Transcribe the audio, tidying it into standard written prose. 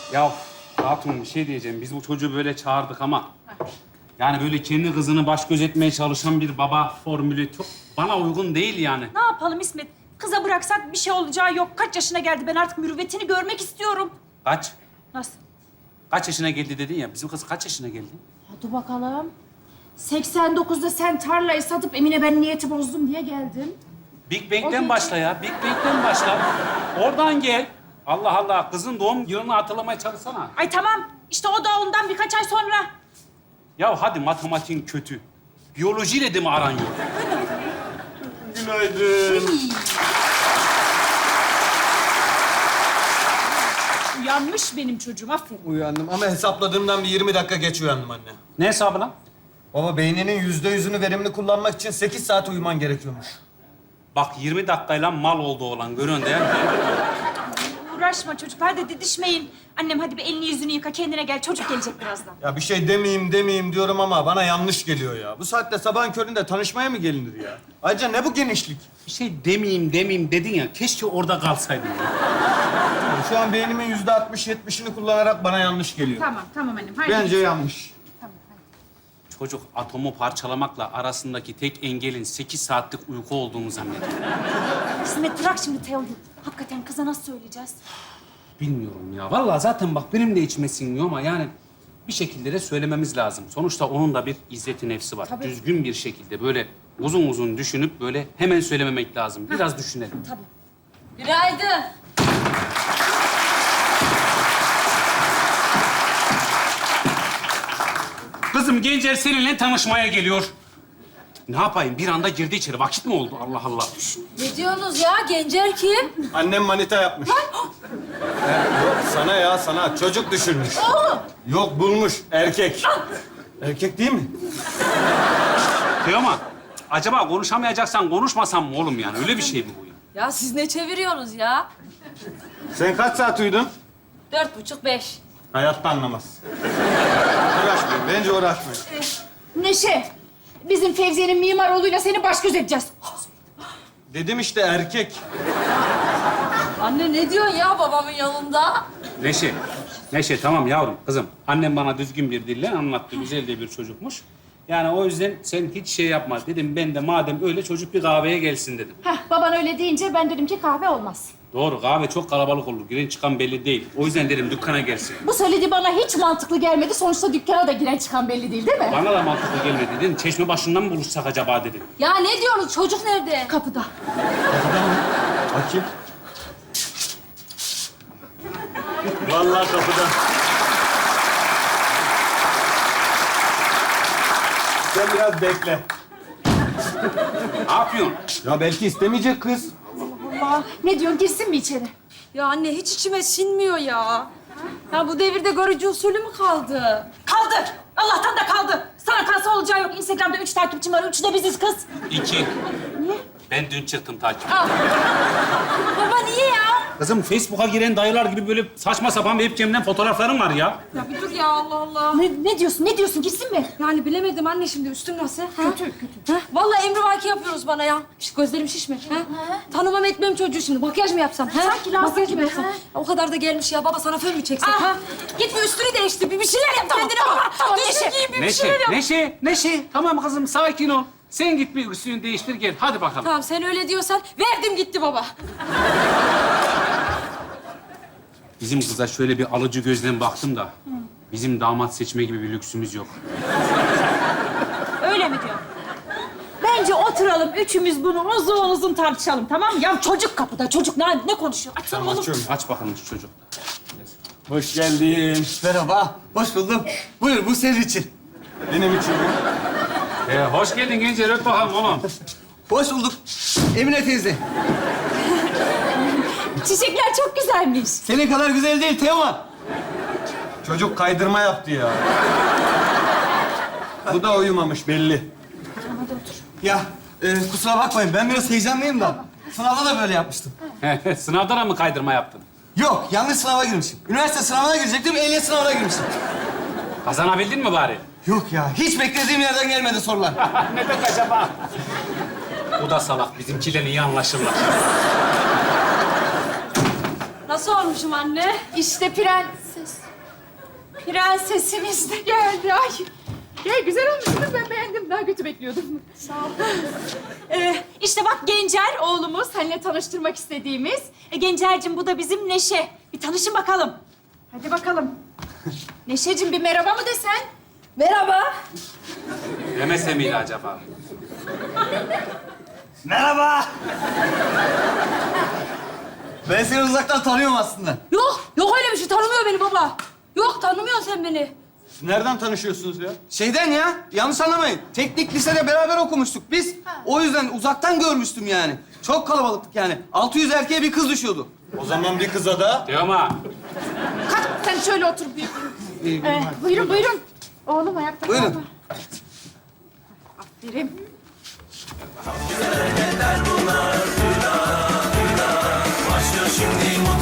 Ya Hatun bir şey diyeceğim. Biz bu çocuğu böyle çağırdık ama... Yani böyle kendi kızını baş göz etmeye çalışan bir baba formülü çok bana uygun değil yani. Ne yapalım İsmet? Kıza bıraksak bir şey olacağı yok. Kaç yaşına geldi? Ben artık mürüvvetini görmek istiyorum. Kaç? Nasıl? Kaç yaşına geldi dedin ya. Bizim kız kaç yaşına geldi? Hadi bakalım. 89'da sen tarlayı satıp Emine ben niyeti bozdum diye geldin. Big Bang'den başla ya. Big Bang'den başla. Oradan gel. Allah Allah. Kızın doğum yılını hatırlamaya çalışsana. Ay tamam. İşte o da ondan birkaç ay sonra. Ya hadi matematiğin kötü. Biyolojiyle de mi aran yok? Günaydın. Uyanmış benim çocuğum. Aferin. Uyandım ama hesapladığımdan bir 20 dakika geç uyandım anne. Ne hesabı lan? Baba beyninin %100'ünü verimli kullanmak için 8 saat uyuman gerekiyormuş. Bak 20 dakikayla mal oldu olan. Görüyorsun değil mi? Uğraşma çocuklar da didişmeyin. Annem hadi bir elini yüzünü yıka kendine gel. Çocuk gelecek birazdan. Ya bir şey demeyeyim diyorum ama bana yanlış geliyor ya. Bu saatte sabahın köründe tanışmaya mı gelinir ya? Ayrıca ne bu genişlik? Bir şey demeyeyim dedin ya. Keşke orada kalsaydın ya. Yani şu an beynimin %60-70'ini kullanarak bana yanlış geliyor. Tamam annem. Haydi. Bence yanlış. Tamam, hadi. Çocuk atomu parçalamakla arasındaki tek engelin 8 saatlik uyku olduğunu zannediyor. İsmet bırak şimdi Teo'yu. Hakikaten kıza nasıl söyleyeceğiz? Bilmiyorum ya. Vallahi zaten bak benim de içime sinmiyor ama yani bir şekilde de söylememiz lazım. Sonuçta onun da bir izzeti nefsi var. Tabii. Düzgün bir şekilde böyle uzun uzun düşünüp böyle hemen söylememek lazım. Biraz düşünelim. Tabii. Günaydın. Kızım Gencer seninle tanışmaya geliyor. Ne yapayım? Bir anda girdi içeri. Vakit mi oldu? Allah Allah. Ne diyorsunuz ya? Gencer kim? Annem manita yapmış. Yok sana ya sana. Çocuk düşürmüş. Yok bulmuş. Erkek. Erkek değil mi? Teoman, acaba konuşamayacaksan konuşmasam mı oğlum yani? Öyle bir şey mi bu ya? Ya siz ne çeviriyorsunuz ya? Sen kaç saat uyudun? 4,5-5. Hayatta anlamaz. Uğraşmayın. Bence uğraşmayın. Neşe, bizim Fevziye'nin mimar oğluyla seni baş göz edeceğiz. Dedim işte erkek. Anne ne diyorsun ya babamın yanında? Neşe tamam yavrum, kızım. Annem bana düzgün bir dille anlattı. Güzel de bir çocukmuş. Yani o yüzden sen hiç şey yapma. Dedim ben de madem öyle çocuk bir kahveye gelsin dedim. Heh, baban öyle deyince ben dedim ki kahve olmaz. Doğru, kahve çok kalabalık olur. Giren çıkan belli değil. O yüzden dedim dükkana gelsin. Bu söylediği bana hiç mantıklı gelmedi. Sonuçta dükkana da giren çıkan belli değil mi? Bana da mantıklı gelmedi dedim. Çeşme başından mı buluşsak acaba dedim. Ya ne diyorsunuz? Çocuk nerede? Kapıda. Bakayım. Vallahi kapıda. Sen biraz bekle. Ne yapıyorsun? Ya belki istemeyecek kız. Allah. Ne diyorsun? Girsin mi içeri? Ya anne hiç içime sinmiyor ya. Ya bu devirde görücü usulü mü kaldı? Kaldı. Allah'tan da kaldı. Sana kalsa olacağı yok. Instagram'da 3 takipçim var. 3'ü de biziz kız. 2. Ben dün çıktım takip. Baba niye ya? Kızım Facebook'a giren dayılar gibi böyle saçma sapan webcam'den fotoğraflarım var ya. Ya bir dur ya Allah Allah. Ne diyorsun? Ne diyorsun? Girsin mi? Yani bilemedim anne şimdi üstüm nasıl? Kötü. Vallahi emrivaki yapıyoruz bana ya. İşte gözlerim şişme. Tanımam etmem çocuğu şimdi. Makyaj mı yapsam? Sanki lazım Makyaj mı gibi, yapsam? ha? O kadar da gelmiş ya. Baba sana fön mü çeksek? Ah. Ha? Git bir üstünü değiştir. Bir şeyler yap kendine bak. tamam, Düzgün Neşe. giyin bir şeyler yap. Neşe. Tamam kızım sakin ol. Sen git bir üstünü değiştir gel. Hadi bakalım. Tamam sen öyle diyorsan verdim gitti baba. Bizim kıza şöyle bir alıcı gözle baktım da... bizim damat seçme gibi bir lüksümüz yok. Öyle mi diyor? Bence oturalım. Üçümüz bunu uzun uzun tartışalım. Tamam mı? Ya çocuk kapıda. Çocuk ne konuşuyor? Açsana oğlum. Açıyorum. Aç bakalım şu çocuk. Hoş geldin. Merhaba, hoş buldum. Buyur, bu senin için. Benim için mi? Hoş geldin Gencer. Öp bakalım oğlum. Hoş bulduk. Emine teyze, Çiçekler çok güzelmiş. senin kadar güzel değil Teoman. Çocuk kaydırma yaptı ya. Bu da uyumamış belli. Ya, kusura bakmayın, ben biraz heyecanlıyım da. Sınavda da böyle yapmıştım. Sınavda da mı kaydırma yaptın? Yok, yanlış sınava girmişim. Üniversite sınavına girecektim, ehliyet sınavına girmişim. Kazanabildin mi bari? Yok ya, hiç beklediğim yerden gelmedi sorular. Neden acaba? Bu da salak. Bizimkiyle iyi anlaşırlar. Nasıl olmuşum anne? İşte prenses. Prensesimiz de geldi. Ay. Gel güzel olmuşsunuz. Ben beğendim. Daha kötü bekliyordum. Sağ ol. İşte bak Gencer oğlumuz. Seninle tanıştırmak istediğimiz. Gencer'cim bu da bizim Neşe. Bir tanışın bakalım. Hadi bakalım. Neşe'cim bir merhaba mı desen? Merhaba. Demese miydi acaba? Merhaba. Ben seni uzaktan tanıyorum aslında. Yok öyle bir şey. Tanımıyor beni baba. Yok, tanımıyorsun sen beni. Nereden tanışıyorsunuz ya? Şeyden ya, yanlış anlamayın. Teknik lisede beraber okumuştuk biz. O yüzden uzaktan görmüştüm yani. Çok kalabalıktık yani. 600 erkeğe bir kız düşüyordu. O zaman bir kıza da... Teoman. Kalk sen şöyle otur. Buyurun buyurun. Oğlum ayakta Buyurun. kalma. Aferin. Başlıyor şimdi